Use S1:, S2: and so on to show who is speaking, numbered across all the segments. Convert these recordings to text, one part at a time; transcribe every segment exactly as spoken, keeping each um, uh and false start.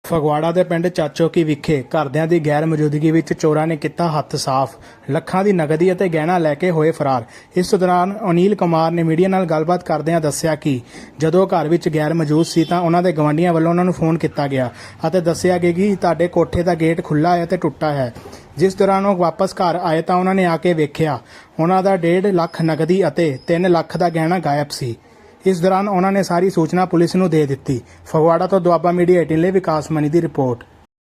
S1: ਫਗਵਾੜਾ ਦੇ ਪਿੰਡ ਚਾਚੋਕੀ ਵਿਖੇ ਘਰਦਿਆਂ ਦੀ ਗੈਰ ਮੌਜੂਦਗੀ ਵਿੱਚ ਚੋਰਾਂ ਨੇ ਕੀਤਾ ਹੱਥ ਸਾਫ਼। ਲੱਖਾਂ ਦੀ ਨਕਦੀ ਅਤੇ ਗਹਿਣਾ ਲੈ ਕੇ ਹੋਏ ਫਰਾਰ। ਇਸ ਦੌਰਾਨ ਅਨਿਲ ਕੁਮਾਰ ਨੇ ਮੀਡੀਆ ਨਾਲ ਗੱਲਬਾਤ ਕਰਦਿਆਂ ਦੱਸਿਆ ਕਿ ਜਦੋਂ ਘਰ ਵਿੱਚ ਗੈਰ ਮੌਜੂਦ ਸੀ ਤਾਂ ਉਹਨਾਂ ਦੇ ਗਵਾਂਢੀਆਂ ਵੱਲੋਂ ਉਹਨਾਂ ਨੂੰ ਫੋਨ ਕੀਤਾ ਗਿਆ ਅਤੇ ਦੱਸਿਆ ਗਿਆ ਕਿ ਤੁਹਾਡੇ ਕੋਠੇ ਦਾ ਗੇਟ ਖੁੱਲ੍ਹਾ ਹੈ ਤੇ ਟੁੱਟਾ ਹੈ। ਜਿਸ ਦੌਰਾਨ ਉਹ ਵਾਪਸ ਘਰ ਆਏ ਤਾਂ ਉਹਨਾਂ ਨੇ ਆ ਕੇ ਵੇਖਿਆ ਉਹਨਾਂ ਦਾ ਡੇਢ ਲੱਖ ਨਕਦੀ ਅਤੇ ਤਿੰਨ ਲੱਖ ਦਾ ਗਹਿਣਾ ਗਾਇਬ ਸੀ। इस दौरान उन्होंने सारी सूचना पुलिस नूं दे दी। फगवाड़ा तो दुआबा मीडिया एटीन लिए विकास मनी की रिपोर्ट।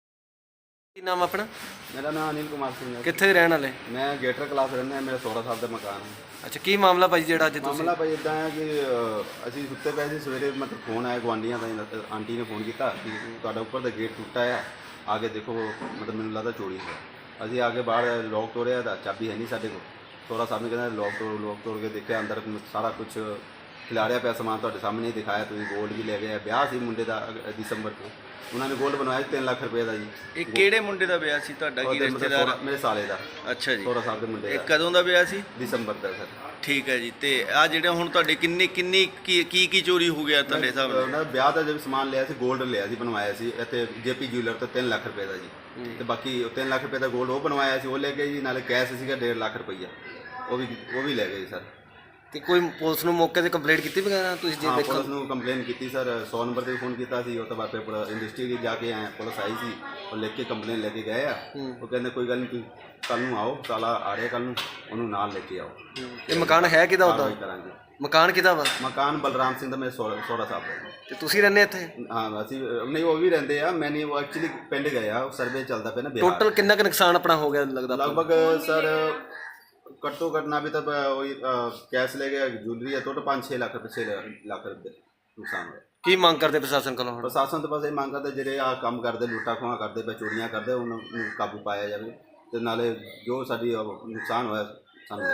S2: की नाम अपना?
S3: मेरा नाम अनिल कुमार सिंह है।
S2: कित्थे रहने वाले?
S3: मैं गेटर क्लास रहना है। मेरा सोलह साल का मकान है।
S2: अच्छा, की मामला भाई जेड़ा अज
S3: मामला भाई इदा है कि असीं सुत्ते पे सी, सवेरे मतलब फोन आया गुआंढियों का, आंटी ने फोन किया कि तुहाडा उपर दा गेट टुटा है, आगे देखो, मतलब मैनूं लगदा चोरी है। असीं आगे बाहर लॉक तोड़िया तां चाबी है नहीं साडे कोल। सोलह साल ने कहंदा लॉक तोड़ लॉक तोड़ के देखिया, अंदर सारा कुछ खिलारिया पिया समान तुहाडे सामने ही दिखाया। तुसीं गोल्ड भी ले गए। ब्याह सी मुंडे दा दिसंबर को, उन्होंने गोल्ड बनवाया तीन लाख रुपए का जी।
S2: ਇਹ ਕਿਹੜੇ ਮੁੰਡੇ ਦਾ ਵਿਆਹ ਸੀ ਤੁਹਾਡਾ? ਕੀ ਰਿਸ਼ਤੇਦਾਰ?
S3: मेरे साले का।
S2: ਅੱਛਾ ਜੀ।
S3: सोलह साल के मुंडे
S2: ਇਹ
S3: दा
S2: ਕਦੋਂ ਦਾ ਵਿਆਹ ਸੀ?
S3: दिसंबर का सर।
S2: ਠੀਕ ਹੈ ਜੀ। ਤੇ ਆ ਜਿਹੜੇ ਹੁਣ ਤੁਹਾਡੇ ਕਿੰਨੀ ਕਿੰਨੀ ਕੀ ਕੀ ਕੀ ਚੋਰੀ ਹੋ ਗਿਆ ਤੁਹਾਡੇ ਹਿਸਾਬ ਨਾਲ?
S3: ਉਹਨਾਂ ਵਿਆਹ ਦਾ ਜਦ ਸਮਾਨ ਲਿਆ ਸੀ, 골ਡ ਲਿਆ ਸੀ, ਬਣਵਾਇਆ ਸੀ ਇੱਥੇ ਜੇਪੀ ਜਿਊਲਰ ਤੋਂ ਤਿੰਨ ਲੱਖ ਰੁਪਏ ਦਾ ਜੀ। ਤੇ ਬਾਕੀ ਤਿੰਨ ਲੱਖ ਰੁਪਏ ਦਾ 골ਡ ਉਹ ਬਣਵਾਇਆ ਸੀ, ਉਹ ਲੈ ਗਏ ਜੀ। ਨਾਲੇ ਕੈਸ਼ ਸੀਗਾ ਡੇਢ ਲੱਖ ਰੁਪਈਆ, ਉਹ ਵੀ ਉਹ ਵੀ ਲੈ ਗਏ ਜੀ ਸਰ।
S2: ਤੇ ਕੋਈ ਪੁਲਿਸ ਨੂੰ ਮੌਕੇ ਤੇ ਕੰਪਲੇਂਟ ਕੀਤੀ ਵਗੈਰਾ ਤੁਸੀਂ ਜੇ
S3: ਹਾਂ,
S2: ਦੇਖੋ?
S3: ਪੁਲਿਸ ਨੂੰ ਕੰਪਲੇਨ ਕੀਤੀ ਸਰ। ਸੌ ਨੰਬਰ ਤੇ ਫੋਨ ਕੀਤਾ ਸੀ। ਉਹ ਤੋਂ ਬਾਅਦ ਫਿਰ ਪੂਰਾ ਇਨਵੈਸਟੀਗੇਟ ਜਾ ਕੇ ਆਏ, ਪੁਲਿਸ ਆਈ ਸੀ, ਉਹ ਲਿਖ ਕੇ ਕੰਪਲੇਨ ਲੈ ਕੇ ਗਏ ਆ। ਉਹ ਕਹਿੰਦੇ ਕੋਈ ਗੱਲ ਨਹੀਂ, ਤੁਸੀਂ ਕੱਲ ਨੂੰ ਆਓ, ਸਾਲਾ ਆ ਰਿਹਾ ਕੱਲ ਨੂੰ, ਉਹਨੂੰ ਨਾਲ ਲੈ ਕੇ ਆਓ।
S2: ਇਹ ਮਕਾਨ ਹੈ ਕਿਹਦਾ ਉਹਦਾ?
S3: ਕਰਾਂਗੇ।
S2: ਮਕਾਨ ਕਿਹਦਾ ਵਾ?
S3: ਮਕਾਨ ਬਲਰਾਮ ਸਿੰਘ ਦਾ, ਮੇਰੇ ਸੋਹਰਾ ਸੋਹਰਾ ਸਾਹਿਬ ਦਾ।
S2: ਤੇ ਤੁਸੀਂ ਰਹਿੰਦੇ ਇੱਥੇ?
S3: ਹਾਂ, ਅਸੀਂ ਨਹੀਂ, ਉਹ ਵੀ ਰਹਿੰਦੇ ਆ। ਮੈਂ ਨਹੀਂ, ਉਹ ਐਕਚੁਅਲੀ ਪਿੰਡ ਗਏ ਆ, ਸਰਵੇ ਚੱਲਦਾ ਪਿਆ ਨਾ ਬਿਹਾਰ।
S2: ਟੋਟਲ ਕਿੰਨਾ ਕੁ ਨੁਕਸਾਨ ਆਪਣਾ ਹੋ ਗਿਆ ਲੱਗਦਾ?
S3: लगभग सर कट्टो कटना भी तब वही कैश ले गया, ज्वेलरी है, टोटल पाँच छः लाख रुपये छः लाख रुपये नुकसान हुआ।
S2: ਕੀ ਮੰਗ ਕਰਦੇ ਪ੍ਰਸ਼ਾਸਨ ਕੋਲੋਂ?
S3: प्रशासन तो बस ये मांग करते ਜਿਹੜੇ ਆ ਕੰਮ ਕਰਦੇ, ਲੁੱਟਾ ਖੋਹਾਂ ਕਰਦੇ ਪਏ, ਚੋਰੀਆਂ ਕਰਦੇ, ਉਹਨਾਂ ਨੂੰ ਕਾਬੂ ਪਾਇਆ ਜਾਵੇ ਤੇ ਨਾਲੇ ਜੋ ਸਾਡੀ नुकसान होया ਸਾਨੂੰ।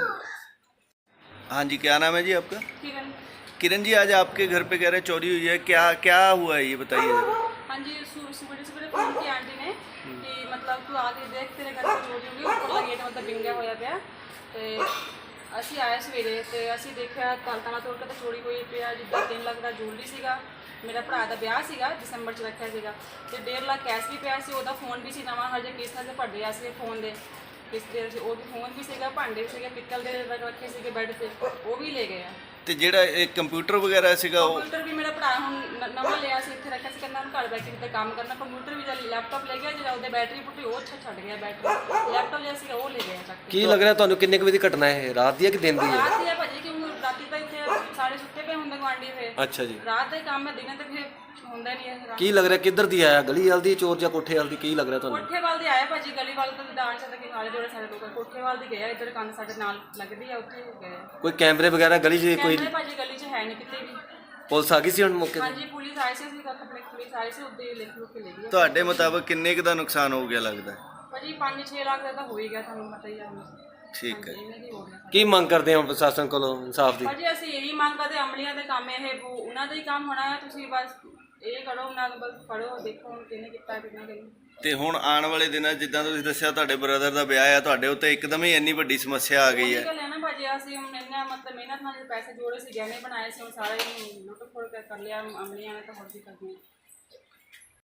S2: हाँ जी, क्या नाम है जी आपका?
S4: किरण।
S2: किरण जी, आज आपके घर पे कह रहे चोरी हुई है, क्या क्या हुआ है ये बताइए जरा।
S4: हाँ जी, सुबह सुबह फोन की आंटी ने कि मतलब तू आगे देख तेरे घर से चोरी होगी, उपरला गेट मतलब बिंगा होया पिया। ਤੇ ਅਸੀਂ ਆਏ ਸਵੇਰੇ ਤੇ ਅਸੀਂ ਦੇਖਿਆ ਤਾਲਾ ਤਾਲਾ ਤੋੜ ਕੇ ਤਾਂ ਚੋਰੀ ਹੋਈ ਪਿਆ। ਜਿੱਦਾਂ ਤਿੰਨ ਲੱਖ ਦਾ ਜੂਲਰੀ ਸੀਗਾ, ਮੇਰਾ ਭਰਾ ਦਾ ਵਿਆਹ ਸੀਗਾ, ਦਸੰਬਰ 'ਚ ਰੱਖਿਆ ਸੀਗਾ, ਤੇ ਡੇਢ ਲੱਖ ਕੈਸ਼ ਵੀ ਪਿਆ ਸੀ। ਉਹਦਾ ਫੋਨ ਵੀ ਸੀ ਨਵਾਂ, ਹਜੇ ਕਿਸ਼ਤਾਂ 'ਤੇ ਭਰ ਰਿਹਾ ਸੀ ਫੋਨ ਦੇ, ਕਿਸ਼ਤ ਦੇ ਸੀ। ਉਹ ਵੀ ਫੋਨ ਵੀ ਸੀਗਾ, ਭਾਂਡੇ ਵੀ ਸੀਗੇ ਪਿੱਤਲ ਦੇ ਰੱਖੇ ਸੀਗੇ ਬੈੱਡ 'ਤੇ, ਉਹ ਵੀ ਲੈ ਗਏ ਆ। ਤੇ
S2: ਜਿਹੜਾ ਇਹ ਕੰਪਿਊਟਰ ਵਗੈਰਾ ਸੀਗਾ ਉਹ?
S4: ਕੰਪਿਊਟਰ ਵੀ ਮੇਰਾ ਭਰਾ ਹੁਣ ਨਵਾਂ ਲਿਆ ਸੀ, ਇੱਥੇ ਰੱਖਿਆ ਸੀ, ਕਹਿੰਦਾ ਹੁਣ ਘਰ ਬੈਠੇ ਕਿਤੇ ਕੰਮ ਕਰਨਾ। ਕੰਪਿਊਟਰ ਵੀ ਜਦ ਲੈਪਟਾਪ ਲੈ ਗਿਆ, ਜਿਹੜਾ ਉਹਦੇ ਬੈਟਰੀ ਪੁੱਟੀ ਉਹ ਅੱਛਾ ਛੱਡ ਗਿਆ ਬੈਟਰੀ। ਲੈਪਟਾਪ ਲਿਆ ਸੀਗਾ ਉਹ ਲੈ ਗਿਆ ਚੱਕ ਕੇ।
S2: ਕੀ ਲੱਗ ਰਿਹਾ ਤੁਹਾਨੂੰ ਕਿੰਨੇ ਕੁ ਵਜੇ ਦੀ ਘਟਨਾ ਹੈ? ਰਾਤ ਦੀ ਹੈ ਕਿ ਦਿਨ ਦੀ ਹੈ?
S4: ਰਾਤ ਦੀ ਹੈ ਭਾਜੀ, ਕਿ ਹੁਣ ਰਾਤੀ ਤਾਂ ਇੱਥੇ ਸਾਰੇ ਸੁੱਤੇ ਪਏ ਹੁੰਦੇ ਗੁਆਂਢੀ। ਫਿਰ
S2: ਅੱਛਾ ਜੀ।
S4: ਰਾਤ ਦਾ ਹੀ ਕੰਮ ਹੈ, ਦਿਨੇ ਤਾਂ ਫਿਰ ਹੁੰਦਾ ਨਹੀਂ ਹੈ।
S2: ਕੀ ਲੱਗ ਰਿਹਾ ਕਿੱਧਰ ਦੀ ਆਇਆ? ਗਲੀ ਵਾਲ ਦੀ ਚੋਰ ਜਾਂ ਕੋਠੇ ਵਾਲ ਦੀ? ਕੀ ਲੱਗ ਰਿਹਾ ਤੁਹਾਨੂੰ?
S4: ਕੋਠੇ ਵਾਲ ਦੇ ਆਇਆ ਭਾਜੀ, ਗਲੀ ਵਾਲ ਤੋਂ ਦਾਣ ਚੱਲ ਕੇ ਨਾਲੇ ਜੋੜੇ ਸਾਰੇ ਲੋਕ ਕੋਠੇ ਵਾਲ ਦੀ ਗਏ ਆ। ਇੱਧਰ ਕੰਨ ਸਾਡੇ ਨਾਲ ਲੱਗਦੀ ਆ, ਉੱਥੇ ਗਏ। ਕੋਈ
S2: ਕੈਮਰੇ ਵਗੈਰਾ ਗਲੀ 'ਚ? ਕੋਈ
S4: ਕੈਮਰੇ ਭਾਜੀ ਗਲੀ 'ਚ ਹੈ ਨਹੀਂ ਕਿਤੇ ਵੀ।
S2: ਪੁਲਿਸ ਆ ਗਈ ਸੀ ਹੁਣ ਮੌਕੇ ਤੇ?
S4: ਹਾਂਜੀ, ਪੁਲਿਸ ਆਈ ਸੀ, ਅਸੀਂ ਕੱਪੜੇ ਪੁਲਿਸ ਆਈ ਸੀ, ਉੱਦੇ ਲਿਖ ਲੁੱਕ ਕੇ ਲੈ ਗਈ।
S2: ਤੁਹਾਡੇ ਮੁਤਾਬਕ ਕਿੰਨੇ ਕੁ ਦਾ ਨੁਕਸਾਨ ਹੋ ਗਿਆ ਲੱਗਦਾ?
S4: ਭਾਜੀ ਪੰਜ ਛੇ ਲੱਖ ਦਾ ਤਾਂ ਹੋ ਹੀ ਗਿਆ, ਤੁਹਾਨੂੰ ਪਤਾ ਹੀ ਆ।
S2: ਠੀਕ ਹੈ।
S4: ਇਹਨਾਂ ਦੀ ਹੋ ਗਿਆ।
S2: ਕੀ ਮੰਗ ਕਰਦੇ ਹੋ ਪ੍ਰਸ਼ਾਸਨ ਕੋਲੋਂ ਇਨਸਾਫ ਦੀ?
S4: ਭਾਜੀ ਅਸੀਂ ਇਹੀ ਮੰਗ ਕਰਦੇ, ਅਮਲੀਆਂ ਦੇ ਕੰਮ ਇਹ ਉਹਨਾਂ ਦਾ ਹੀ ਕੰਮ ਹੋਣਾ ਹੈ। ਤੁਸੀਂ ਬਸ ਇਹ ਕਰੋ, ਉਹਨਾਂ ਨੂੰ ਬਸ ਫੜੋ, ਦੇਖੋ ਹੁਣ ਕਿਹਨੇ ਕੀਤਾ ਕਿਹਨੇ ਨਹੀਂ।
S2: ਤੇ ਹੁਣ ਆਉਣ ਵਾਲੇ ਦਿਨਾਂ ਜਿੱਦਾਂ ਤੁਸੀਂ ਦੱਸਿਆ ਤੁਹਾਡੇ ਬ੍ਰਦਰ ਦਾ ਵਿਆਹ ਆ, ਤੁਹਾਡੇ ਉੱਤੇ ਇੱਕਦਮ ਹੀ ਇੰਨੀ ਵੱਡੀ ਸਮੱਸਿਆ ਆ ਗਈ ਹੈ।
S4: ਗੱਲ ਹੈ ਨਾ ਭਾਜੀ, ਅਸੀਂ ਹੁਣ ਇੰਨਾ ਮਤਲਬ ਮਿਹਨਤ ਨਾਲ ਪੈਸੇ ਜੋੜੇ ਸੀ, ਗਹਿਣੇ ਬਣਾਏ ਸੀ, ਹੁਣ ਸਾਰੇ ਲੁੱਟ ਖੋੜ ਕਰ ਲਿਆ ਅਮਲੀਆਂ ਨੇ, ਤਾਂ ਹੋਰ ਵੀ ਕਰਦੀਆਂ।